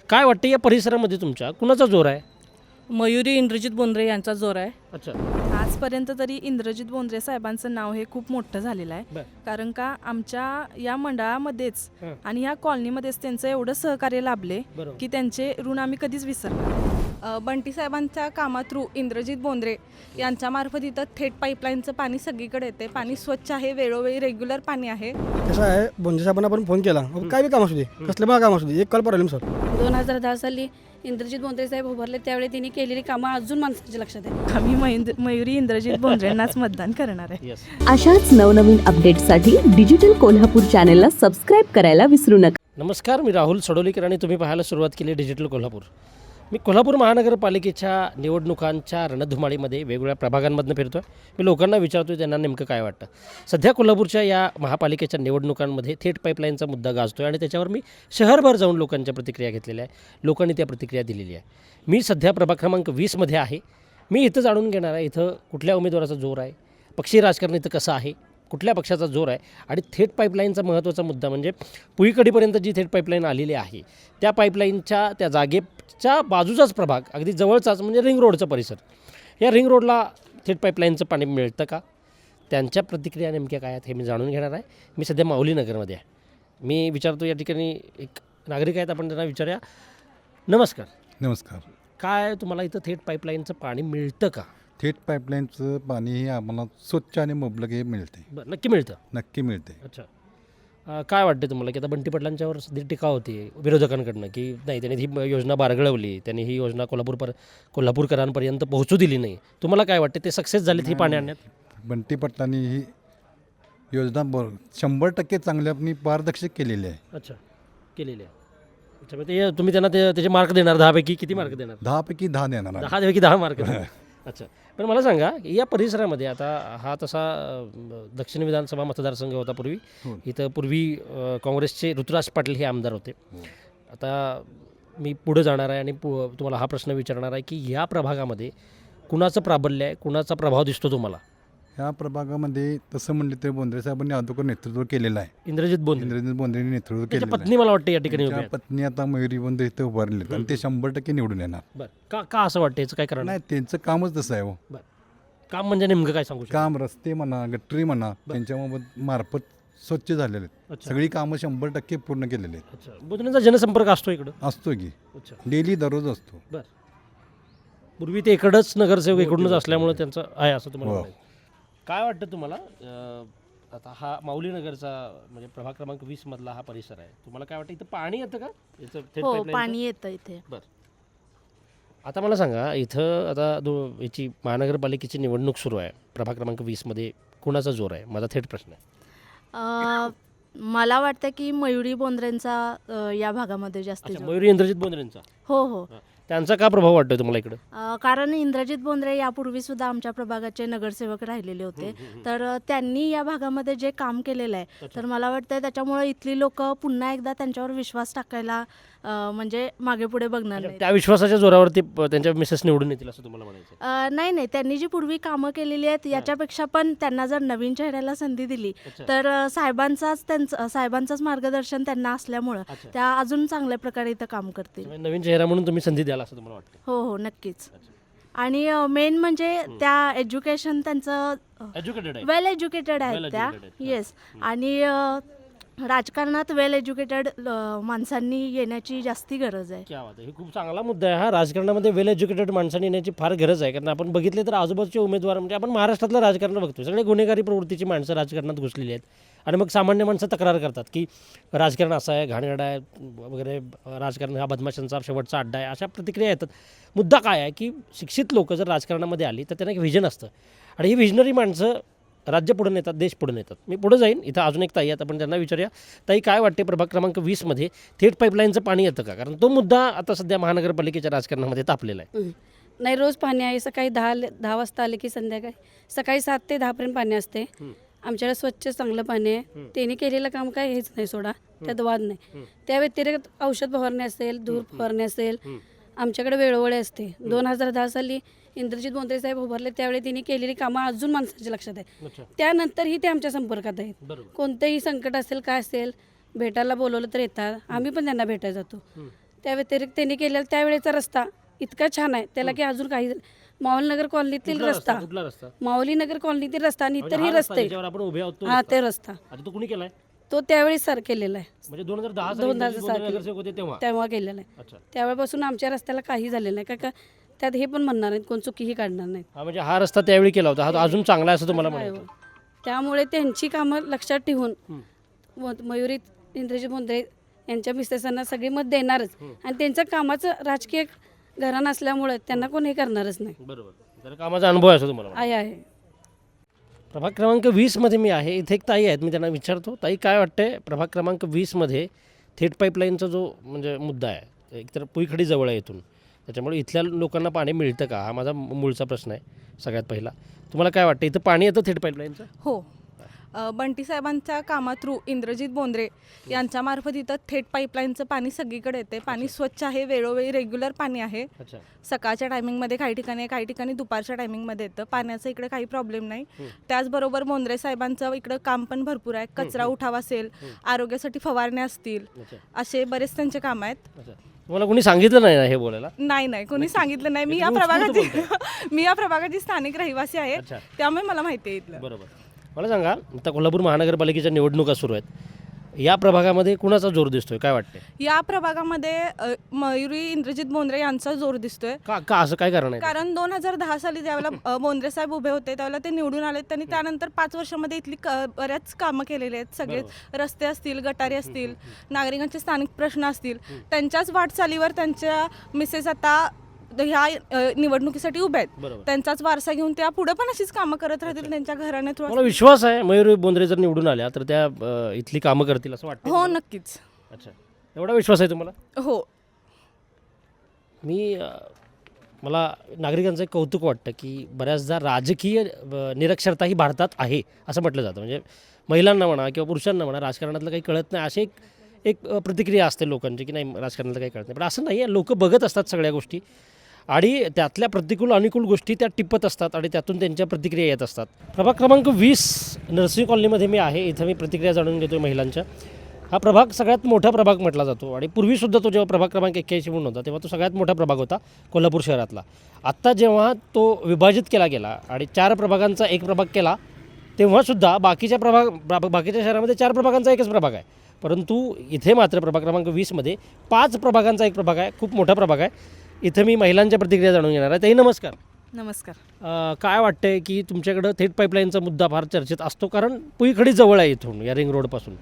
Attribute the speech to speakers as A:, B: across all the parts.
A: काय वाटतं या परिसरामध्ये तुमच्या कुणाचा जोर आहे?
B: मयुरी इंद्रजित बोंद्रे यांचा जोर आहे.
A: अच्छा.
B: आजपर्यंत तरी इंद्रजित बोंद्रे साहेबांचं नाव हे खूप मोठं झालेलं आहे.
A: बरं.
B: कारण का आमच्या या मंडळामध्येच
A: हं.
B: आणि या कॉलनीमध्येच त्यांचं एवढं सहकार्य लाभले
A: बरोबर.
B: की त्यांचे ऋण आम्ही कधीच विसरणार.
C: बंटी साहेबांच्या कामा थ्रू इंद्रजित बोंद्रे यांच्यामार्फत इथं थेट पाईपलाईनचं पाणी सगळीकडे येते. पाणी स्वच्छ आहे, वेळोवेळी रेग्युलर पाणी आहे.
D: कसं आहे, बोंजे साहेबांना आपण फोन केला काय बी काम असू दे, कसलं पण काम असू दे, एक कॉल प्रॉब्लेम सर.
E: 2010 साली इंद्रजित बोंद्रे साहेब उभारले त्यावेळी त्यांनी केलेली कामं अजून माणसाच्या लक्षात आहे.
B: आम्ही मयुरी इंद्रजित बोंद्रेंनाच मतदान करणार आहे.
A: येस.
F: अशाच नवनवीन अपडेट्ससाठी डिजिटल कोल्हापूर चॅनेलला सबस्क्राईब करायला विसरू नका.
A: नमस्कार, मी राहुल सडोलीकर आणि तुम्ही पाहायला सुरुवात केली डिजिटल कोल्हापूर. मी कोल्हापूर महानगरपालिकेच्या निवडणुकांच्या रणधुमाळीमध्ये वेगवेगळ्या प्रभागांमधून फिरतो आहे. मी लोकांना विचारतो त्यांना नेमकं काय वाटतं. सध्या कोल्हापूरच्या या महापालिकेच्या निवडणुकांमध्ये थेट पाईपलाईनचा मुद्दा गाजतो आहे आणि त्याच्यावर मी शहरभर जाऊन लोकांच्या प्रतिक्रिया घेतलेल्या आहे. लोकांनी त्या प्रतिक्रिया दिलेली आहे. मी सध्या प्रभाग क्रमांक 20मध्ये आहे. मी इथं जाणून घेणार आहे इथं कुठल्या उमेदवाराचा जोर आहे, पक्षी राजकारण इथं कसं आहे, कुठल्या पक्षाचा जोर आहे आणि थेट पाईपलाईनचा महत्त्वाचा मुद्दा म्हणजे पुईकडीपर्यंत जी थेट पाईपलाईन आलेली आहे त्या पाईपलाईनच्या त्या जागेच्या बाजूचाच प्रभाग अगदी जवळचाच म्हणजे रिंग रोडचा परिसर. या रिंग रोडला थेट पाईपलाईनचं पाणी मिळतं का, त्यांच्या प्रतिक्रिया नेमक्या काय आहेत हे मी जाणून घेणार आहे. मी सध्या माऊली नगरमध्ये आहे. मी विचारतो या ठिकाणी एक नागरिक आहेत, आपण त्यांना विचारूया. नमस्कार.
G: नमस्कार.
A: काय तुम्हाला इथं थेट पाईपलाईनचं पाणी मिळतं का?
G: थेट पाईपलाईनचं पाणी हे आम्हाला स्वच्छ आणि मुबलक हे मिळते.
A: बरं, नक्की मिळतं.
G: नक्की मिळते.
A: अच्छा. काय वाटते तुम्हाला की आता बंटी पाटलांच्यावर सध्या टीका होती विरोधकांकडनं की नाही त्यांनी ही योजना बारगळवली, त्यांनी ही योजना कोल्हापूरकरांपर्यंत पोहोचू दिली नाही. तुम्हाला काय वाटते ते सक्सेस झालीत ही पाणी आणण्यात?
G: बंटी पाटलांनी ही योजना 100% चांगल्यापणी पारदर्शक केलेली आहे.
A: अच्छा, केलेली आहे. अच्छा, मग ते तुम्ही त्यांना त्याचे मार्क देणार? 10पैकी किती मार्क देणार?
G: 10पैकी 10 देणार आहे.
A: 10पैकी 10 मार्क देणार. अच्छा, पण मला सांगा या परिसरामध्ये आता हा तसा दक्षिण विधानसभा मतदारसंघ होता पूर्वी.
G: हो.
A: इथं पूर्वी काँग्रेसचे ऋतुराज पाटील हे आमदार होते.
G: हो.
A: आता मी पुढे जाणार आहे आणि तुम्हाला हा प्रश्न विचारणार आहे की या प्रभागामध्ये कुणाचं प्राबल्य आहे, कुणाचा प्रभाव दिसतो तुम्हाला?
G: ह्या प्रभागामध्ये तसं म्हणले तर बोंद्रे साहेबांनी अगोदर नेतृत्व केलेलं आहे.
A: इंद्रजित बोंद्रे.
G: इंद्रजित बोंद्रेंनी नेतृत्व
A: त्याच्या
G: केलेलं
A: पत्नी मला वाटतं या ठिकाणी उभ्या
G: आहे.
A: आहेत.
G: पत्नी आता मयुरी बोंद्रे इथं उभारले आणि ते 100% निवडून येणार.
A: बरं, का असं वाटतं, याचं काय कारण आहे?
G: नाही, त्यांचं कामच तसं आहे. हो,
A: काम म्हणजे नेमकं काय सांगू शकता?
G: काम रस्ते म्हणा, गटरी म्हणा, त्यांच्या मार्फत स्वच्छ झालेले आहेत.
A: अच्छा.
G: सगळी कामं 100% पूर्ण केलेली आहेत.
A: अच्छा, बोंद्रेंचा जनसंपर्क असतो इकडं?
G: असतो की
A: अच्छा,
G: डेली दररोज असतो.
A: बरं. पूर्वी ते इकडंच नगरसेवक इकडूनच असल्यामुळे त्यांचं आहे असं तुम्हाला
G: हो.
A: म्हणायचं. काय वाटतं तुम्हाला आता हा माऊली नगरचा म्हणजे प्रभाग क्रमांक 20 मधला हा परिसर आहे, तुम्हाला काय वाटतं इथं पाणी येतं का याचं थेट
E: हो,
A: pipeline चं?
E: पाणी येतं इथे.
A: आता मला सांगा इथं आता याची महानगरपालिकेची निवडणूक सुरू आहे. प्रभाग क्रमांक 20मध्ये कुणाचा जोर आहे, माझा थेट प्रश्न आहे.
E: मला वाटतं की मयुरी बोंद्रेंचा या भागामध्ये जास्त
A: अच्छा,
E: जोर.
A: मयुरी इंद्रजित बोंद्रेंचा.
E: हो हो.
A: त्यांचा का प्रभाव वाटतोय तुम्हाला इकडं?
E: कारण इंद्रजित बोंद्रे यापूर्वी सुद्धा आमच्या प्रभागाचे नगरसेवक राहिलेले होते. तर त्यांनी या भागामध्ये जे काम केलेलं आहे तर मला वाटतं त्याच्यामुळे इथली लोक पुन्हा एकदा त्यांच्यावर विश्वास टाकायला म्हणजे मागे पुढे बघणार नाही.
A: त्या विश्वासाच्या जोरावरती त्यांच्या मिसेस निवडून येतील असं तुम्हाला म्हणायचं?
E: नाही नाही, त्यांनी जी पूर्वी कामं केलेली आहेत याच्यापेक्षा पण त्यांना जर नवीन चेहऱ्याला संधी दिली
A: अच्छा.
E: तर साहेबांचंच मार्गदर्शन त्यांना असल्यामुळं
A: अच्छा.
E: त्या अजून चांगल्या प्रकारे इथं काम करतील.
A: म्हणजे नवीन चेहरा म्हणून तुम्ही संधी द्याल असं तुम्हाला वाटतं?
E: हो हो, नक्कीच. आणि मेन म्हणजे त्या एज्युकेशन त्यांचं
A: एज्युकेटेड आहे.
E: वेल एज्युकेटेड
A: Well
E: आहेत त्या.
A: educated आहेत.
E: येस. आणि राजकारणात वेल एज्युकेटेड माणसांनी येण्याची जास्ती गरज आहे.
A: क्या बात आहे, हे खूप चांगला मुद्दा आहे हा. राजकारणामध्ये वेल एज्युकेटेड माणसांनी येण्याची फार गरज आहे. कारण आपण बघितले तर आजूबाजूचे उमेदवार म्हणजे आपण महाराष्ट्रातलं राजकारण बघतो, सगळे गुन्हेगारी प्रवृत्तीची माणसं राजकारणात घुसलेली आहेत. आणि मग सामान्य माणसं तक्रार करतात की राजकारण असं आहे, घाणेरडा आहे वगैरे, राजकारण हा बदमाशांचा शेवटचा अड्डा आहे, अशा प्रतिक्रिया येतात. मुद्दा काय आहे की शिक्षित लोक जर राजकारणामध्ये आली तर त्यांना एक व्हिजन असतं आणि ही व्हिजनरी माणसं राज्य पुढे नेतात, देश पुढे नेतात. मी पुढे जाईन, इथं अजून एक ताई आहेत, आपण त्यांना विचारूया. ताई, काय वाटते प्रभाग क्रमांक 20मध्ये थेट पाईपलाईनचं पाणी येतं का? कारण तो मुद्दा आता सध्या महानगरपालिकेच्या राजकारणामध्ये तापलेला आहे.
E: नाही, रोज पाणी आहे. सकाळी 10 वाजता आले की संध्याकाळी सकाळी 7 ते 10 पाणी असते. आमच्याकडे स्वच्छ चांगलं पाणी आहे. त्यांनी केलेलं काम काय हेच नाही, सोडा त्यात वाद नाही. त्या व्यतिरिक्त औषध फवारणी असेल, धूर फवारणी असेल, आमच्याकडे वेळोवेळी असते. 2010 साली इंद्रजित बोंद्रे साहेब उभारले त्यावेळी त्यांनी केलेली कामं अजून माणसाच्या लक्षात आहे. त्यानंतरही ते आमच्या संपर्कात आहेत. कोणतेही संकट असेल काय असेल भेटायला बोलवलं तर येतात. आम्ही पण त्यांना भेटायला जातो. त्या व्यतिरिक्त त्यांनी केलेला त्यावेळेचा रस्ता इतका छान आहे त्याला की अजून काही माऊलीनगर कॉलनीतील
A: कुठला
E: रस्ता
A: कुठला रस्ता
E: माऊलीनगर कॉलनीतील रस्ता आणि
A: म्हणजे
E: इतरही
A: हा रस्ता
E: रस्ते
A: ज्याच्यावर आपण उभे आहोत तो
E: हा
A: रस्ता.
E: ते रस्ता
A: आता तो कुणी केलाय
E: तो त्यावेळी सर केलेला आहे
A: म्हणजे 2010 साली
E: 2010
A: इंद्रजित बोंद्रे नगरसेवक होते तेव्हा.
E: तेव्हा केलेला आहे
A: अच्छा.
E: त्यावेळेपासून आमच्या रस्त्याला काही झालेलं नाही का त्यात हे पण म्हणणार नाहीत कोण चुकीही काढणार नाहीत
A: हा म्हणजे हा रस्ता त्यावेळी केला होता हा अजून चांगला आहे असं तुम्हाला
E: आहे
A: म्हणायचं.
E: हो. त्यामुळे त्यांची कामं लक्षात ठेवून मयुरी इंद्रजित बोंद्रे यांच्या मिसेसांना सगळी मत देणारच आणि त्यांचं कामाचं राजकीय घराणं असल्यामुळे त्यांना कोण हे करणारच नाही
A: बरोबर तर कामाचा अनुभव आहे असं तुम्हाला म्हणायचं.
E: आहे
A: प्रभाग क्रमांक 20 मध्ये मी आहे. इथे एक ताई आहेत मी त्यांना विचारतो ताई काय वाटतंय प्रभाग क्रमांक 20 मध्ये थेट पाईपलाईनचा जो म्हणजे मुद्दा आहे एकतर पुईखडी जवळ आहे इथून त्याच्यामुळे इथल्या लोकांना पाणी मिळतं का हा माझा मूळचा प्रश्न आहे सगळ्यात पहिला. तुम्हाला काय वाटतं इथं पाणी येतं थेट पाईपलाईनचं?
C: हो. बंटी साहेबांच्या कामा थ्रू इंद्रजित बोंद्रे यांच्यामार्फत इथं थेट पाईपलाईनचं पाणी सगळीकडे येते. पाणी स्वच्छ आहे, वेळोवेळी रेग्युलर पाणी आहे.
A: अच्छा.
C: सकाळच्या टायमिंगमध्ये काही ठिकाणी दुपारच्या टायमिंगमध्ये येतं. पाण्याचं इकडे काही प्रॉब्लेम नाही. त्याचबरोबर बोंद्रे साहेबांचं इकडं काम पण भरपूर आहे. कचरा उठाव असेल, आरोग्यासाठी फवारण्या असतील,
A: अच्छा.
C: असे बरेच त्यांचे काम आहेत.
A: अच्छा. तुम्हाला कोणी सांगितलं नाही ना हे बोलायला?
C: नाही कोणी सांगितलं नाही. मी या
A: तुम्ही उत्स्फूर्त
C: प्रभागाची मी या प्रभागाची स्थानिक रहिवासी आहे,
A: अच्छा.
C: त्यामुळे मला माहिती आहे इथलं.
A: बरोबर. मला सांगा आता कोल्हापूर महानगरपालिकेच्या निवडणुका सुरू आहेत या प्रभागामध्ये कुणाचा जोर दिसतोय काय वाटतंय?
C: या प्रभागामध्ये मयुरी इंद्रजित बोंद्रे यांचा जोर दिसतोय.
A: का असं काय कारण आहे?
C: कारण 2010 साली ज्यावेळेला बोंद्रे साहेब उभे होते त्यावेळेला ते निवडून आले. त्यांनी त्यानंतर 5 वर्षामध्ये इथली बऱ्याच कामं केलेली आहेत. सगळे रस्ते असतील, गटारी असतील, नागरिकांचे स्थानिक प्रश्न असतील, त्यांच्याच वाटचालीवर त्यांच्या मिसेस आता ह्या निवडणुकीसाठी उभ्या आहेत.
A: बरोबर.
C: त्यांचाच वारसा घेऊन त्या पुढे पण अशीच कामं करत राहतील त्यांच्या घराने.
A: मला विश्वास आहे मयूर बोंद्रे जर निवडून आल्या तर त्या इथली कामं करतील असं वाटतं?
C: हो, नक्कीच.
A: अच्छा. एवढा विश्वास आहे तुम्हाला?
C: हो.
A: मला नागरिकांचं एक कौतुक वाटतं की बऱ्याचदा राजकीय निरक्षरता ही भारतात आहे असं म्हटलं जातं. म्हणजे महिलांना म्हणा किंवा पुरुषांना म्हणा राजकारणातलं काही कळत नाही अशी एक प्रतिक्रिया असते लोकांची की नाही राजकारणातलं काही कळत नाही. पण असं नाही आहे. लोक बघत असतात सगळ्या गोष्टी आणि त्यातल्या प्रतिकूल अनुकूल गोष्टी त्या टिपत असतात आणि त्यातून त्यांच्या प्रतिक्रिया येत असतात. प्रभाग क्रमांक 20 नर्सिंग कॉलनीमध्ये मी आहे. इथं मी प्रतिक्रिया जाणून घेतो महिलांच्या. हा प्रभाग सगळ्यात मोठा प्रभाग म्हटला जातो आणि पूर्वीसुद्धा तो जेव्हा प्रभाग क्रमांक 81 म्हणून होता तेव्हा तो सगळ्यात मोठा प्रभाग होता कोल्हापूर शहरातला. आत्ता जेव्हा तो विभाजित केला गेला आणि 4 प्रभागांचा एक प्रभाग केला तेव्हासुद्धा बाकीच्या शहरामध्ये 4 प्रभागांचा एकच प्रभाग आहे. परंतु इथे मात्र प्रभाग क्रमांक 20मध्ये 5 प्रभागांचा एक प्रभाग आहे. खूप मोठा प्रभाग आहे. इथं मी महिलांच्या प्रतिक्रिया जाणून घेणार आहे. ताई नमस्कार.
B: नमस्कार.
A: काय वाटतंय की तुमच्याकडं थेट पाईपलाईनचा मुद्दा फार चर्चेत असतो कारण पुईखडी जवळ आहे इथून या रिंग रोडपासून.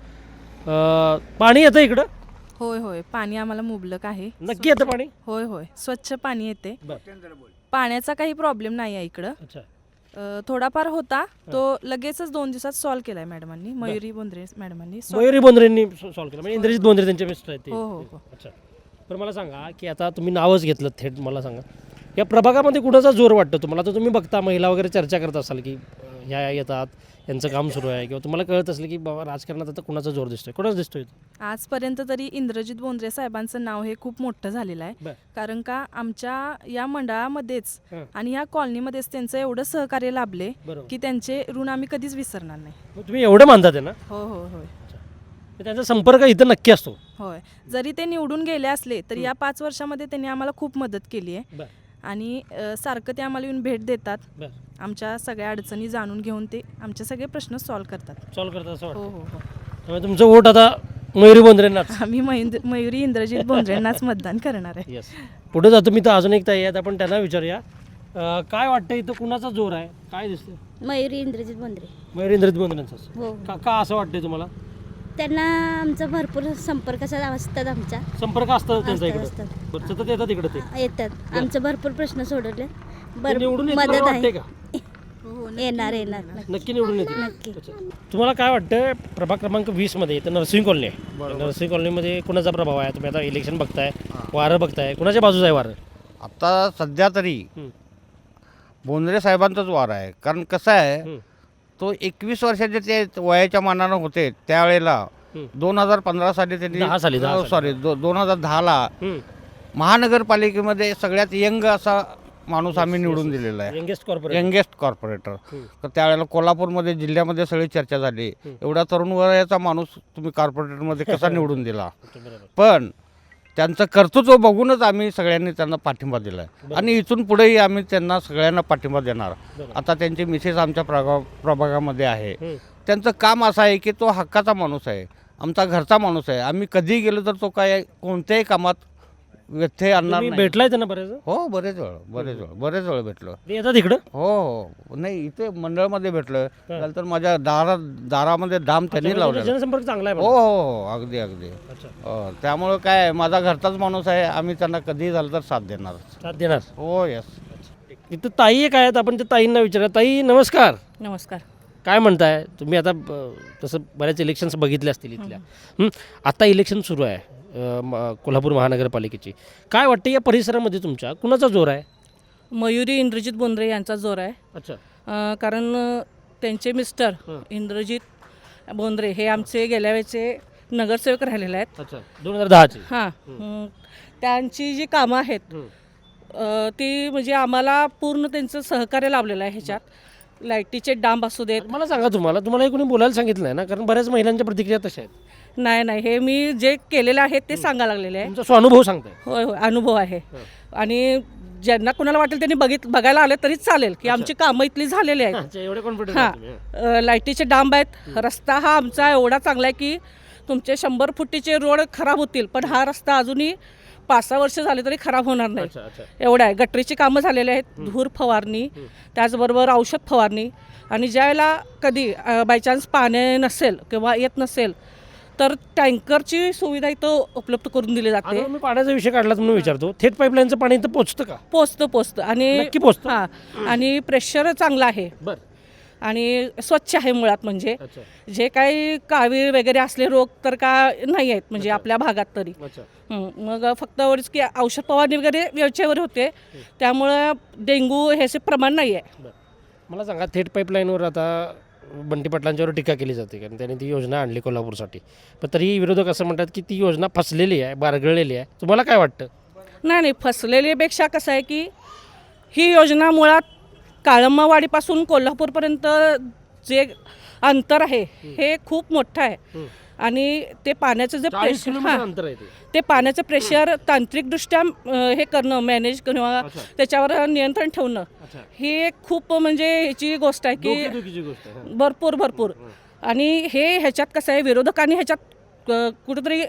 A: पाणी येतं इकडं?
B: होय पाणी आम्हाला मुबलक आहे.
A: नक्की येतं पाणी?
B: होय स्वच्छ पाणी येते.
A: बरं.
B: पाण्याचा काही प्रॉब्लेम नाही आहे इकडं.
A: अच्छा.
B: थोडाफार होता तो लगेचच 2 दिवसात सॉल्व्ह केलाय मॅडमांनी, मयुरी बोंद्रे मॅडमांनी.
A: मयुरी बोंद्रेंनी सॉल्व्ह केलं म्हणजे इंद्रजित बोंद्रे त्यांचे मिस्टर आहेत ते?
B: हो.
A: अच्छा. पण मला सांगा की आता तुम्ही नावच घेतलं थेट. मला सांगा या प्रभागामध्ये कुणाचा जोर वाटतो तुम्हाला? तर तुम्ही बघता महिला वगैरे चर्चा करत असाल की ह्या येतात यांचं काम सुरू आहे किंवा तुम्हाला कळत असेल की बाबा राजकारणात आता कुणाचा जोर दिसतोय? कुणाच दिसतोय?
B: आजपर्यंत तरी इंद्रजित बोंद्रे साहेबांचं नाव हे खूप मोठं झालेलं आहे.
A: बरं.
B: कारण का आमच्या या मंडळामध्येच
A: हं.
B: आणि या कॉलनीमध्येच त्यांचं एवढं सहकार्य लाभले
A: बरोबर.
B: की त्यांचे ऋण आम्ही कधीच विसरणार नाही.
A: मग तुम्ही एवढं मानतात आहे ना?
B: होय.
A: त्यांचा संपर्क इथं नक्की असतो?
B: होय. जरी ते निवडून गेले असले तरी या 5 वर्षामध्ये त्यांनी आम्हाला खूप मदत केली आहे.
A: बरं.
B: आणि सारखं ते आम्हाला येऊन भेट देतात.
A: बरं.
B: आमच्या सगळ्या अडचणी जाणून घेऊन ते आमचे सगळे प्रश्न सॉल्व्ह करतात.
A: सॉल्व्ह करतात असं वाटतं?
B: हो.
A: त्यामुळे तुमचं वोट आता मयुरी बोंद्रेंनाच?
B: आम्ही मयुरी इंद्रजित बोंद्रेंनाच मतदान करणार आहे.
A: येस. पुढे जातो मी तर अजून एक ताई आहेत आपण त्यांना विचारूया. काय वाटतं इथं कुणाचा जोर आहे? काय दिसतं?
H: मयुरी इंद्रजित बोंद्रे.
A: मयुरी इंद्रजित बोंद्रेंचाच?
H: हो.
A: का असं वाटतंय तुम्हाला?
H: त्यांना आमचा भरपूर संपर्क असतात. आमच्या
A: संपर्क असतात त्यांचा इकडे?
H: असतात.
A: बरं, सतत येतात इकडे ते?
H: येतात. आमचे भरपूर प्रश्न सोडवले.
A: ते निवडून येतील
H: मदत
A: वाटतंय
H: आहे.
A: का?
H: येणार
A: नक्की निवडून येतील?
H: नक्की.
A: अच्छा. तुम्हाला काय वाटतं प्रभाग क्रमांक 20 मध्ये इथं नर्सिंग कॉलनी आहे. नर्सिंग कॉलनीमध्ये कुणाचा प्रभाव आहे? तुम्ही आता इलेक्शन बघताय, वारं बघताय, कुणाच्या बाजूचं आहे वारं?
I: आता सध्या तरी बोंद्रे साहेबांचाच वार आहे. कारण कसं आहे तो 21 वर्षाचे ते वयाच्या मानानं होते त्यावेळेला 2015 साली त्यांनी
A: 10 साली.
I: 2010ला महानगरपालिकेमध्ये सगळ्यात यंग असा माणूस आम्ही निवडून दिलेला आहे. Youngest corporator. तर त्यावेळेला कोल्हापूरमध्ये जिल्ह्यामध्ये सगळी चर्चा झाली एवढा तरुण वयाचा माणूस तुम्ही कॉर्पोरेटरमध्ये कसा निवडून दिला. पण त्यांचं कर्तृत्व बघूनच आम्ही सगळ्यांनी त्यांना पाठिंबा दिला आहे आणि इथून पुढेही आम्ही त्यांना सगळ्यांना पाठिंबा देणार. आता त्यांची मिसेस आमच्या प्रभागामध्ये आहे. त्यांचं काम असं आहे की तो हक्काचा माणूस आहे, आमचा घरचा माणूस आहे. आम्ही कधी गेलो तर तो काय कोणत्याही कामात व्यत्यय आणणार
A: तुम्ही
I: नाही.
A: भेटलाय त्यांना बरेच
I: हो, बरेच वेळ भेटलो.
A: ते येतात इकडं?
I: हो, नाही इथे मंडळामध्ये भेटलं तर माझ्या दारामध्ये दाम त्यांनी लावलेला.
A: जनसंपर्क चांगला आहे
I: हो
A: म्हणा.
I: हो, अगदी अगदी. हो, त्यामुळं काय माझा घरचाच माणूस आहे. आम्ही त्यांना कधी झालं तर साथ देणार.
A: साथ देणार.
I: हो, यस.
A: इथं ताई एक आहेत, आपण त्या ताईंना विचारूया. ताई नमस्कार.
B: नमस्कार.
A: काय म्हणताय तुम्ही? आता तसं बऱ्याच इलेक्शन्स बघितले असतील इथल्या. आता इलेक्शन सुरू आहे कोल्हापूर महानगरपालिकेची. काय वाटतं या परिसरामध्ये तुमच्या कुणाचा जोर आहे?
J: मयुरी इंद्रजित बोंद्रे यांचा जोर आहे.
A: अच्छा.
J: कारण त्यांचे मिस्टर इंद्रजित बोंद्रे हे आमचे गेल्या वेळेचे नगरसेवक राहिलेले आहेत.
A: अच्छा, 2010चे.
J: हां, त्यांची जी कामं आहेत ती म्हणजे आम्हाला पूर्ण त्यांचं सहकार्य लाभलेलं आहे ह्याच्यात. लाईटीचे डांब असू देत.
A: मला सांगा, तुम्हाला हे कोणी बोलायला सांगितलं नाही ना? कारण बऱ्याच महिलांच्या प्रतिक्रिया तशा आहेत.
J: नाही, हे मी जे केलेलं आहे ते सांगायला लागलेले आहे.
A: तुमचा स्वानुभव सांगताय?
J: होय, अनुभव आहे. आणि ज्यांना कुणाला वाटेल त्यांनी बघायला आले तरी चालेल की आमची कामं इथली झालेली आहेत.
A: एवढे कॉन्फिडन्स.
J: लाईटीचे डांब आहेत. रस्ता हा आमचा एवढा चांगला आहे की तुमचे 100 फुटीचे रोड खराब होतील पण हा रस्ता अजूनही 5-6 वर्ष झाले तरी खराब होणार नाही. एवढं आहे. गटरीची कामं झालेली आहेत. धूर फवारणी, त्याचबरोबर औषध फवारणी. आणि ज्यावेळेला कधी बायचान्स पाणी नसेल किंवा येत नसेल तर टँकरची सुविधा इथं उपलब्ध करून दिली जाते.
A: मी पाण्याचा विषय काढला म्हणून विचारतो, थेट पाईपलाईनचं पाणी इथं पोचतं का?
J: पोचतं आणि
A: नक्की पोचतं?
J: हां, आणि प्रेशर चांगलं आहे.
A: बरं.
J: आणि स्वच्छ आहे मुळात. म्हणजे जे काही कावीळ वगैरे असले रोग तर का नाही आहेत म्हणजे आपल्या भागात तरी. मग फक्त एवढंच की औषध फवारणी वगैरे वेळच्यावर होते, त्यामुळं डेंग्यू ह्याचे प्रमाण नाही आहे.
A: मला सांगा, थेट पाईपलाईनवर आता बंटी पाटलांच्यावर टीका केली जाते कारण त्यांनी ती योजना आणली कोल्हापूरसाठी, पण तरी विरोधक असं म्हणतात की ती योजना फसलेली आहे, बारगळलेली आहे. तुम्हाला काय वाटतं?
J: नाही, फसलेलीपेक्षा कसं आहे की ही योजना मुळात काळंबावाडीपासून कोल्हापूरपर्यंत जे अंतर आहे हे खूप मोठं आहे. आणि ते पाण्याचं जे
A: अंतर आहे
J: ते पाण्याचं प्रेशर तांत्रिकदृष्ट्या हे करणं, मॅनेज किंवा त्याच्यावर नियंत्रण ठेवणं ही एक खूप म्हणजे ह्याची गोष्ट आहे की भरपूर. आणि ह्याच्यात कसं आहे, विरोधकांनी ह्याच्यात कुठंतरी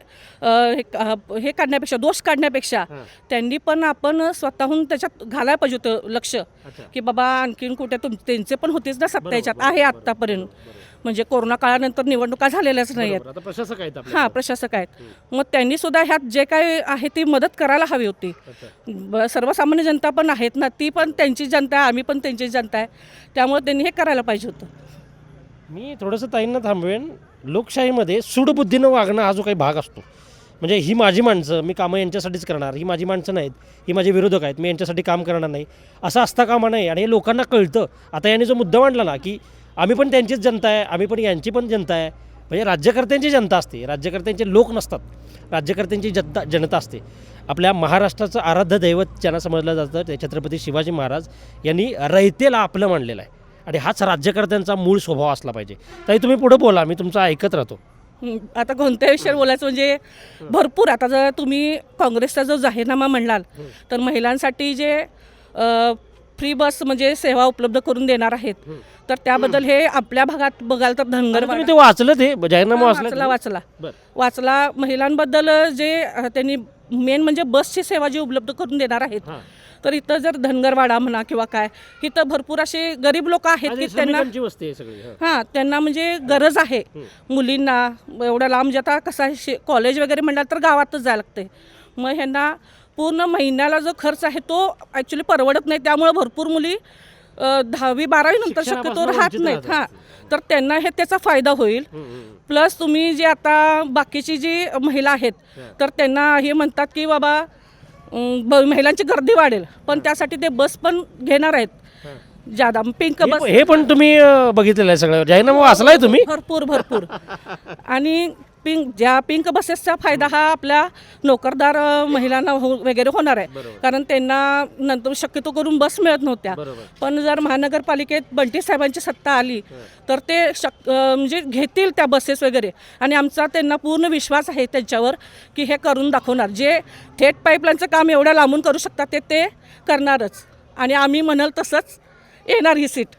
J: हे काढण्यापेक्षा, दोष काढण्यापेक्षा त्यांनी पण आपण स्वतःहून त्याच्यात घालायला पाहिजे होतं लक्ष की बाबा आणखीन कुठे त्यांचे पण होतेच ना सत्ता ह्याच्यात आहे आत्तापर्यंत. म्हणजे कोरोना काळानंतर निवडणुका झालेल्याच नाही आहेत.
A: प्रशासक आहेत.
J: हां, प्रशासक आहेत. मग त्यांनी सुद्धा ह्यात जे काय आहे ती मदत करायला हवी होती. सर्वसामान्य जनता पण आहेत ना, ती पण त्यांची जनता आहे, आम्ही पण त्यांची जनता आहे. त्यामुळे त्यांनी हे करायला पाहिजे होतं.
A: मी थोडंसं ताईंना थांबवेन. लोकशाहीमध्ये सूडबुद्धीनं वागणं हा जो काही भाग असतो, म्हणजे ही माझी माणसं, मी कामं यांच्यासाठीच करणार, ही माझी माणसं नाहीत, ही माझे विरोधक आहेत, मी यांच्यासाठी काम करणार नाही, असं असता कामा नाही. आणि हे लोकांना कळतं. आता यांनी जो मुद्दा मांडला ना की आम्ही पण त्यांचीच जनता आहे, आम्ही पण यांची पण जनता आहे, म्हणजे राज्यकर्त्यांची जनता असते, राज्यकर्त्यांचे लोक नसतात, राज्यकर्त्यांची जनता असते. आपल्या महाराष्ट्राचं आराध्य दैवत ज्यांना समजलं जातं ते छत्रपती शिवाजी महाराज यांनी रयतेला आपलं मानलेलं आहे. आणि हाच राज्यकर्त्यांचा मूळ स्वभाव असला पाहिजे. ताई तुम्ही पुढे बोला, मी तुमचं ऐकत राहतो.
J: आता कोणत्या विषयावर बोलायचं म्हणजे भरपूर. आता जर तुम्ही काँग्रेसचा जो जाहीरनामा म्हणलाल तर महिलांसाठी जे फ्री बस म्हणजे सेवा उपलब्ध करून देणार आहेत तर त्याबद्दल हे आपल्या भागात बघाल तर धनगर
A: ते वाचलं, ते जाहीरनामा
J: वाचला. महिलांबद्दल जे त्यांनी मेन म्हणजे बसची सेवा जी उपलब्ध करून देणार आहेत तर इथं जर धनगरवाडा म्हणा किंवा काय, इथं भरपूर असे गरीब लोक आहेत की त्यांना त्यांना म्हणजे गरज आहे. मुलींना एवढ्या लांब जाता कसा कॉलेज वगैरे म्हणाल तर गावातच जायला लागते. मग ह्यांना पूर्ण महिन्याला जो खर्च आहे तो ॲक्च्युली परवडत नाही. त्यामुळे भरपूर मुली 10वी-12वी नंतर शक्यतो राहत नाहीत. तर त्यांना हे त्याचा फायदा होईल. प्लस तुम्ही जे आता बाकीची जी महिला आहेत तर त्यांना हे म्हणतात की बाबा महिलांची गर्दी वाढेल, पण त्यासाठी ते बस पण घेणार आहेत. ज्यादा पिंक बस
A: हे पण तुम्ही बघितलेलं आहे सगळं जाहीरनामा वाचलाय तुम्ही?
J: भरपूर आणि पिंक बसेसचा फायदा हा आपल्या नोकरदार महिलांना वगैरे होणार आहे, कारण त्यांना नंतर शक्यतो करून बस मिळत नव्हत्या. पण जर महानगरपालिकेत बंटी साहेबांची सत्ता आली तर ते म्हणजे घेतील त्या बसेस वगैरे, आणि आमचा त्यांना पूर्ण विश्वास आहे त्यांच्यावर की हे करून दाखवणार. जे थेट पाईपलाईनचं काम एवढ्या लांबून करू शकतात ते करणारच, आणि आम्ही म्हणाल तसंच येणार ही सीट.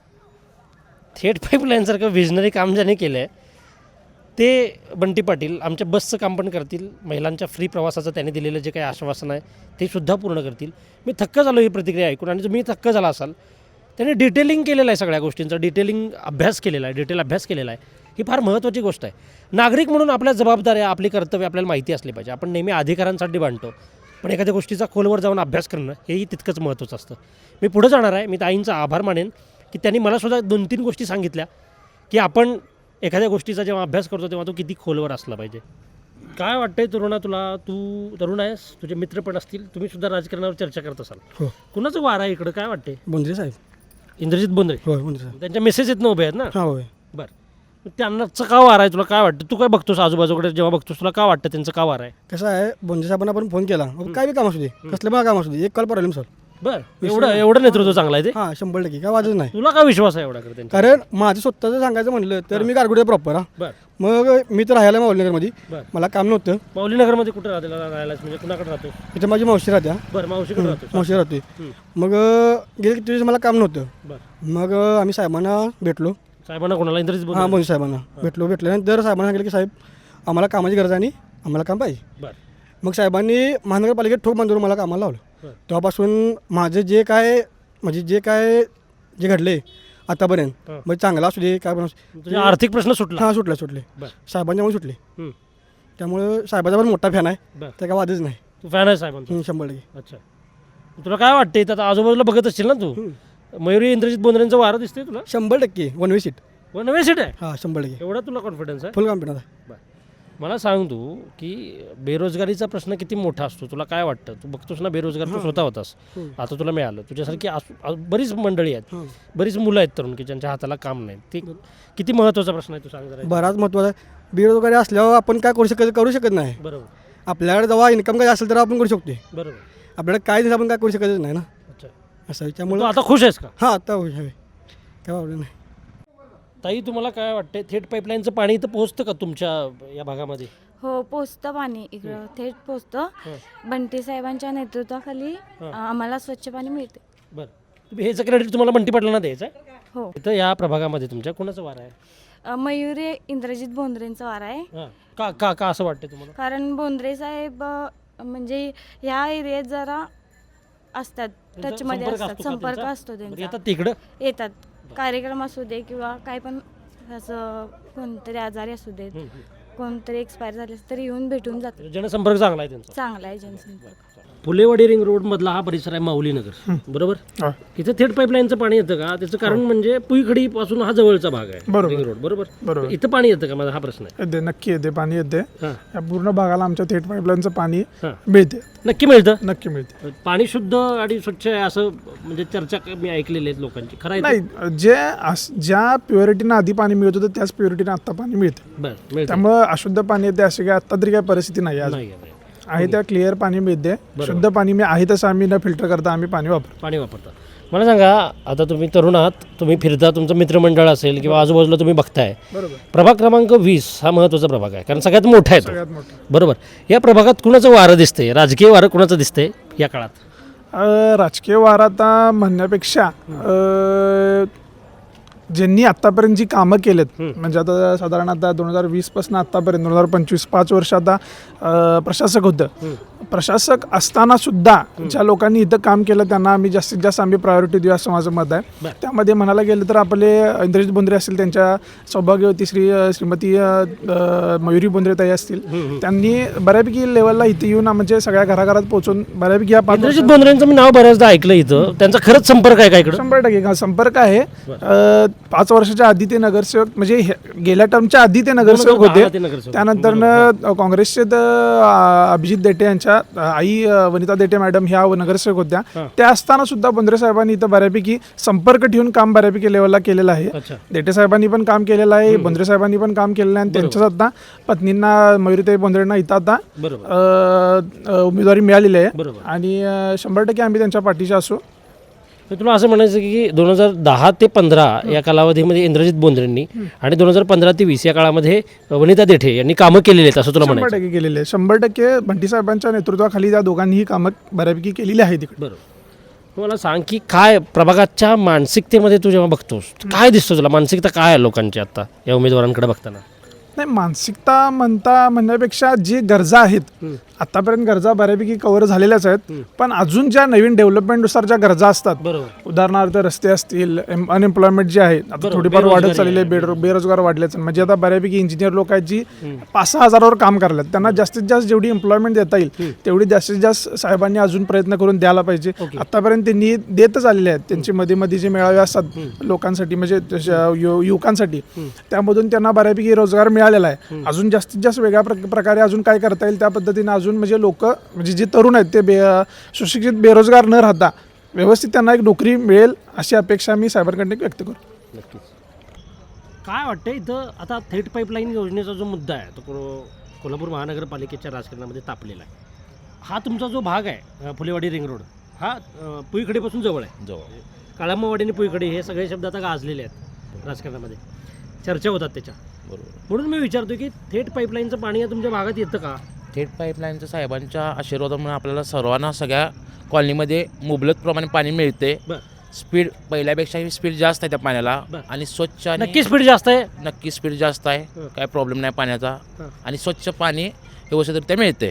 A: थेट पाईपलाईनसारखं विजनरी काम ज्याने केलं आहे ते बंटी पाटील आमच्या बसचं काम पण करतील. महिलांच्या फ्री प्रवासाचं त्यांनी दिलेलं जे काही आश्वासन आहे ते सुद्धा पूर्ण करतील. मी थक्क झालो ही प्रतिक्रिया ऐकून, आणि तुम्ही थक्क झाला असाल. त्यांनी डिटेलिंग केलेलं आहे सगळ्या गोष्टींचा, डिटेल अभ्यास केलेला आहे. ही फार महत्त्वाची गोष्ट आहे. नागरिक म्हणून आपल्या जबाबदाऱ्या, आपली कर्तव्य आपल्याला माहिती असली पाहिजे. आपण नेहमी अधिकारांसाठी भांडतो, पण एखाद्या गोष्टीचा खोलवर जाऊन अभ्यास करणं हेही तितकंच महत्त्वाचं असतं. मी पुढं जाणार आहे. मी ताईंचा आभार मानेन की त्यांनी मला सुद्धा 2-3 गोष्टी सांगितल्या की आपण एखाद्या गोष्टीचा जेव्हा अभ्यास करतो तेव्हा तो किती खोलवर असला पाहिजे. काय वाटतंय तरुणा तुला? तू तरुण आहेस, तुझे मित्र पण असतील, तुम्ही सुद्धा राजकारणावर चर्चा करत असाल.
D: हो.
A: कुणाचं वार आहे इकडं? काय वाटते?
D: बोंद्रे साहेब.
A: इंद्रजित बोंद्रे.
D: होय बोंद्रे साहेब.
A: त्यांच्या मेसेज येत उभे आहेत ना?
D: हां होय.
A: बरं, त्यांनाचं का वार आहे? तुला काय वाटतं? तू काय बघतोस आजूबाजूकडे जेव्हा बघतोस तुला काय वाटतं त्यांचं का वार आहे?
D: कसं आहे, बोंद्रे साहेबांना आपण फोन केला, काय बी काम असू दे, कसलं बघा काम असू दे, एक कॉल प्रॉब्लेम सर.
A: बरं, एवढं नेतृत्व चांगलं आहे ते?
D: हां 100% काय वाजत नाही.
A: तुला काय विश्वास आहे एवढा करते?
D: कारण माझं स्वतःचं सांगायचं म्हटलं तर मी गारगुडे प्रॉपर. हां
A: बरं
D: मग मी तर राहायला माऊलीनगरमध्ये,
A: बरं.
D: मला काम नव्हतं.
A: माऊलीनगरमध्ये कुठं राहायलाच म्हणजे कुणाकडे राहतो?
D: इथे माझी मावशी राहत्या.
A: बरं, मावशीकडे राहतो.
D: मावशी राहते. मग गेले किती दिवस मला काम नव्हतं.
A: बरं,
D: मग आम्ही साहेबांना भेटलो.
A: साहेबांना कोणाला? इंद्रजित
D: हां
A: बोंद्रे.
D: बोंद्रे साहेबांना भेटल्यानंतर साहेबांना सांगितलं की साहेब आम्हाला कामाची गरज आहे आणि आम्हाला काम पाहिजे.
A: बरं,
D: मग साहेबांनी महानगरपालिकेत ठोक बांधून मला कामाला लावलं. तेव्हापासून माझं जे काय जे घडले आतापर्यंत,
A: हां.
D: म्हणजे चांगला असू दे काय पण असू दे,
A: तुझे आर्थिक प्रश्न सुटला?
D: हां सुटले
A: बरं.
D: साहेबांच्यामुळे सुटले.
A: हं.
D: त्यामुळं साहेबाचा पण मोठा फॅन आहे,
A: बरं.
D: त्या काय वादच नाही.
A: तू फॅन आहे साहेबांचा?
D: 100%.
A: अच्छा, तुला काय वाटते? आता आजूबाजूला बघत असशील ना तू, मयुरी इंद्रजित बोंद्रेंचं वारं दिसतंय तुला?
D: 100% 1 वे सीट.
A: नवे सीट आहे?
D: हां 100%
A: एवढा तुला कॉन्फिडन्स आहे?
D: फुल कॉन्फिडन्स आहे.
A: मला सांग तू की बेरोजगारीचा प्रश्न किती मोठा असतो, तुला काय वाटतं? तू बघतोस ना बेरोजगार, तू स्वतः होतास, आता तुला मिळालं. तुझ्यासारखी बरीच मंडळी आहेत, बरीच मुलं आहेत तरुण की ज्यांच्या हाताला काम नाही. ते किती महत्त्वाचा प्रश्न आहे, तू सांग जरा.
D: बराच महत्त्वाचा आहे. बेरोजगारी असल्यावर आपण काय करू शकत नाही.
A: बरोबर.
D: आपल्याकडे जेव्हा इन्कम काय असेल तर आपण करू शकतो.
A: बरोबर.
D: आपल्याकडे काय दिलं आपण काय करू शकतच नाही ना.
A: अच्छा,
D: असं आहे.
A: तू
D: त्यामुळे
A: आता खुश आहेस का?
D: हां आता हवे काय प्रॉब्लेम नाही.
A: ताई तुम्हाला काय वाटते, थेट पाईपलाईनचं पाणी इथं पोहोचतं का तुमच्या या भागामध्ये?
H: हो पोचतं पाणी इकडं थेट पोचतं. बंटी साहेबांच्या नेतृत्वाखाली आम्हाला स्वच्छ पाणी मिळते.
A: बरं, तुम्ही हेचं क्रेडिट तुम्हाला बंटी पाटलांना द्यायचं आहे?
H: हो.
A: इथं या प्रभागामध्ये तुमच्या कोणाचं वार आहे?
H: मयुरी इंद्रजित बोंद्रेंचा वार आहे.
A: हां, का का का असं वाटतं तुम्हाला?
H: कारण बोंद्रे साहेब म्हणजे ह्या एरियात जरा असतात, टचमध्ये असतात, संपर्क असतो त्यांचा.
A: येतात तिकडं?
H: येतात, कार्यक्रम असू दे किंवा काय पण असं कोणतरी आजारी असू देत, कोणतरी एक्सपायर झाले तरी येऊन भेटून जातात.
A: जनसंपर्क चांगला आहे त्यांचा?
H: चांगला आहे जनसंपर्क.
A: फुलेवाडी रिंग रोड मधला हा परिसर आहे माऊलीनगर, बरोबर? इथं थेट पाईपलाईनचं पाणी येतं का? त्याचं कारण म्हणजे पुईखडी पासून हा जवळचा भाग आहे रिंग रोड, बरोबर? इथं पाणी येतं का? माझा हा प्रश्न आहे.
K: येते, नक्की येते, पाणी येते.
A: हां.
K: या पूर्ण भागाला आमच्या थेट पाईपलाईनचं पाणी
A: हां.
K: मिळते.
A: नक्की मिळतं?
K: नक्की मिळते.
A: पाणी शुद्ध आणि स्वच्छ आहे असं म्हणजे चर्चा मी ऐकलेली आहेत लोकांची, खरं आहे?
K: नाही, ज्या प्युरिटीनं आधी पाणी मिळत होतं त्याच प्युरिटीनं आता पाणी मिळते.
A: बरं, मिळतं.
K: त्यामुळं अशुद्ध पाणी येते अशी काय आता तरी काय परिस्थिती नाही आज
A: नाही
K: आहे. त्या क्लिअर पाणी मिळते, शुद्ध पाणी मी आहे तसं आम्ही न फिल्टर करता आम्ही पाणी
A: वापरता. मला सांगा, आता तुम्ही तरुण आहात, तुम्ही फिरता, तुमचं मित्रमंडळ असेल किंवा आजूबाजूला तुम्ही बघताय,
K: बरोबर.
A: प्रभाग क्रमांक 20 हा महत्त्वाचा प्रभाग आहे, कारण सगळ्यात मोठा आहे तो,
K: सगळ्यात मोठं.
A: बरोबर? या प्रभागात कुणाचं वारं दिसतंय, राजकीय वारं कुणाचं दिसतंय या काळात?
K: राजकीय वार आता म्हणण्यापेक्षा ज्यांनी आत्तापर्यंत जी कामं केलेत, म्हणजे आता साधारण आता 2020 पासून आत्तापर्यंत 2025 5 वर्ष आता प्रशासक होतं. प्रशासक असताना सुद्धा ज्या लोकांनी इथं काम केलं त्यांना आम्ही जास्तीत जास्त प्रायोरिटी देऊ असं माझं मत आहे. त्यामध्ये म्हणायला गेलं तर आपले इंद्रजित बोंद्रे असतील, त्यांच्या सौभाग्यवती श्रीमती मयुरी बोंद्रे ताई असतील, त्यांनी बऱ्यापैकी लेवलला इथे येऊन म्हणजे सगळ्या घराघरात पोहोचून बऱ्यापैकी
A: इंद्रजित बोंद्रेंचं मी नाव बऱ्याचदा ऐकलं इथं. त्यांचा खरंच संपर्क आहे का इकडं?
K: 100% संपर्क आहे. 5 वर्षाच्या आधी ते नगरसेवक, म्हणजे गेल्या टर्मच्या आधी ते नगरसेवक होते. त्यानंतर काँग्रेसचे अभिजित देटे यांच्या त्यांच्या आई वनिता देठे मॅडम ह्या नगरसेवक होत्या. त्या असताना सुद्धा बोंद्रे साहेबांनी इथं बऱ्यापैकी संपर्क ठेवून काम बऱ्यापैकी लेवलला केलेलं आहे. देठे साहेबांनी पण काम केलेलं आहे, बोंद्रे साहेबांनी पण काम केलेलं आहे. आणि त्यांच्याच आता पत्नींना मयुरीताई बोंद्रेंना इथं आता उमेदवारी मिळालेली आहे आणि 100% आम्ही त्यांच्या पाठीशी असू.
A: तुला असं म्हणायचं की 2010 ते 15 या कालावधीमध्ये इंद्रजित बोंद्रेंनी आणि 2015 ते 20 या काळामध्ये वनिता देठे यांनी कामं केलेली आहेत असं तुला म्हणायचं?
K: 100% केलेले आहे. 100% बंटी साहेबांच्या नेतृत्वाखाली त्या दोघांनीही कामं बऱ्यापैकी केलेली आहेत तिकडे.
A: बरोबर. मला सांग की काय प्रभागाच्या मानसिकतेमध्ये तू जेव्हा बघतोस काय दिसतं तुला? मानसिकता काय आहे लोकांची आता या उमेदवारांकडे बघताना?
K: नाही, मानसिकता म्हणण्यापेक्षा जी गरजा आहेत आतापर्यंत गरजा बऱ्यापैकी कव्हर झालेल्याच आहेत, पण अजून ज्या नवीन डेव्हलपमेंटनुसार ज्या गरजा असतात, उदाहरणार्थ रस्ते असतील, अनएम्प्लॉयमेंट जी आहे आता थोडीफार वाढत चाललेली आहे, बेरोजगार वाढलेच. म्हणजे आता बऱ्यापैकी इंजिनियर लोक आहेत जी 5-6 हजारावर काम करतात, त्यांना जास्तीत जास्त जेवढी एम्प्लॉयमेंट देता येईल तेवढी जास्तीत जास्त साहेबांनी अजून प्रयत्न करून द्यायला पाहिजे. आतापर्यंत त्यांनी देतच आलेले आहेत. त्यांचे मध्ये जे मेळावे असतात लोकांसाठी म्हणजे युवकांसाठी, त्यामधून त्यांना बऱ्यापैकी रोजगार मिळालेला आहे. अजून जास्तीत जास्त वेगळ्या प्रकारे अजून काय करता येईल त्या पद्धतीने अजून म्हणजे लोक म्हणजे जे तरुण आहेत ते सुशिक्षित बेरोजगार न राहता व्यवस्थित त्यांना एक नोकरी मिळेल अशी अपेक्षा मी साहेबांकडे व्यक्त करतो.
A: नक्कीच. काय वाटतं इथं आता थेट पाईपलाईन योजनेचा जो मुद्दा आहे तो कोल्हापूर महानगरपालिकेच्या राजकारणामध्ये तापलेला आहे. हा तुमचा जो भाग आहे फुलेवाडी रिंग रोड हा पुईकडेपासून जवळ आहे. काळांबावाडी आणि पुईकडे हे सगळे शब्द आता गाजलेले आहेत राजकारणामध्ये, चर्चा होतात त्याच्या. म्हणून मी विचारतो की थेट पाईपलाईनचं पाणी या तुमच्या भागात येतं का?
L: थेट पाईपलाईनचं साहेबांच्या आशीर्वादामुळे आपल्याला सर्वांना सगळ्या कॉलनीमध्ये मुबलक प्रमाणे पाणी मिळते. स्पीड पहिल्यापेक्षाही स्पीड जास्त आहे त्या पाण्याला आणि स्वच्छ आणि
A: नक्की स्पीड जास्त आहे.
L: नक्की स्पीड जास्त आहे, काय प्रॉब्लेम नाही पाण्याचा आणि स्वच्छ पाणी व्यवस्थितरित्या मिळते.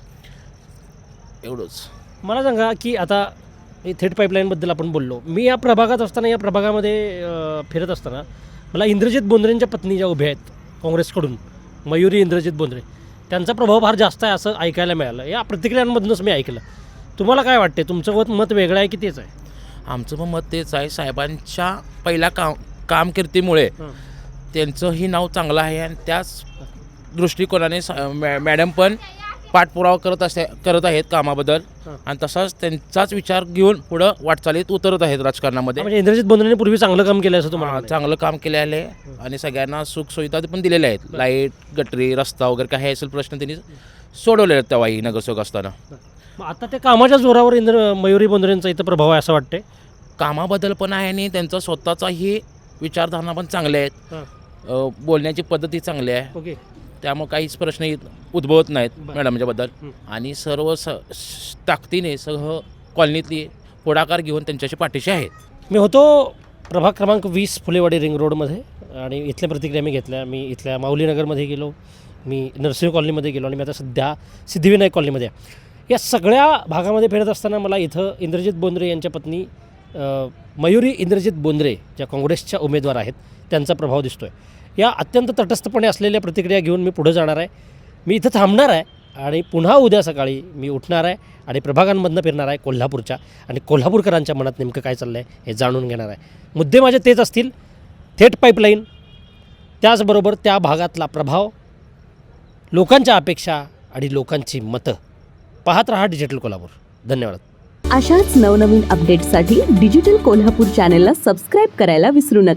L: एवढंच
A: मला सांगा की आता थेट पाईपलाईनबद्दल आपण बोललो. मी या प्रभागात असताना या प्रभागामध्ये फिरत असताना मला इंद्रजित बोंद्रेंच्या पत्नी ज्या उभ्या आहेत काँग्रेसकडून, मयुरी इंद्रजित बोंद्रे, त्यांचा प्रभाव फार जास्त आहे असं ऐकायला मिळालं. या प्रतिक्रियांमधूनच मी ऐकलं. तुम्हाला काय वाटते? तुमचं मत वेगळं आहे की तेच आहे?
L: आमचं पण मत तेच आहे. साहेबांच्या पहिल्या कामकिर्दीमुळे त्यांचंही नाव चांगलं आहे आणि त्याच दृष्टिकोनाने मॅडम पण पाठपुरावा करत आहेत कामाबद्दल आणि तसाच त्यांचाच विचार घेऊन पुढं वाटचालीत उतरत आहेत राजकारणामध्ये.
A: म्हणजे इंद्रजित बोंद्रेंनी पूर्वी चांगलं काम केलं असं तुम्हाला?
L: चांगलं काम केले आहे आणि सगळ्यांना सुखसुविधा पण दिलेल्या आहेत. लाईट, गटरी, रस्ता वगैरे काही असेल प्रश्न त्यांनी सोडवले आहेत तेव्हाही नगरसेवक असताना.
A: आता त्या कामाच्या जोरावर मयुरी बोंद्रेंचा इथं प्रभाव आहे असं वाटते?
L: कामाबद्दल पण आहे आणि त्यांचा स्वतःचाही विचारधारणा पण चांगले आहेत, बोलण्याची पद्धती चांगली आहे.
A: ओके.
L: त्यामुळे काहीच प्रश्न उद्भवत नाहीत मॅडमच्याबद्दल आणि सर्व ताकदीने सह कॉलनीतली पुढाकार घेऊन त्यांच्याशी पाठीशी आहेत.
A: मी होतो प्रभाग क्रमांक 20 फुलेवाडी रिंग रोडमध्ये आणि इथल्या प्रतिक्रिया मी घेतल्या. मी इथल्या माऊलीनगरमध्ये गेलो, मी नरसिंह कॉलनीमध्ये गेलो आणि मी आता सध्या सिद्धिविनायक कॉलनीमध्ये आहे. या सगळ्या भागामध्ये फिरत असताना मला इथं इंद्रजित बोंद्रे यांच्या पत्नी मयुरी इंद्रजित बोंद्रे ज्या काँग्रेसच्या उमेदवार आहेत त्यांचा प्रभाव दिसतो आहे. या अत्यंत तटस्थपणे असलेल्या प्रतिक्रिया घेऊन मी पुढे जाणार आहे. मी इथं थांबणार आहे आणि पुन्हा उद्या सकाळी मी उठणार आहे आणि प्रभागांमधनं फिरणार आहे कोल्हापूरच्या आणि कोल्हापूरकरांच्या मनात नेमकं काय चाललं आहे हे जाणून घेणार आहे. मुद्दे माझे तेच असतील, थेट पाईपलाईन, त्याचबरोबर त्या भागातला प्रभाव, लोकांच्या अपेक्षा आणि लोकांची मतं. पाहत रहा डिजिटल कोल्हापूर. धन्यवाद.
F: अशाच नवनवीन अपडेट्ससाठी डिजिटल कोल्हापूर चॅनेलला सबस्क्राईब करायला विसरू नका.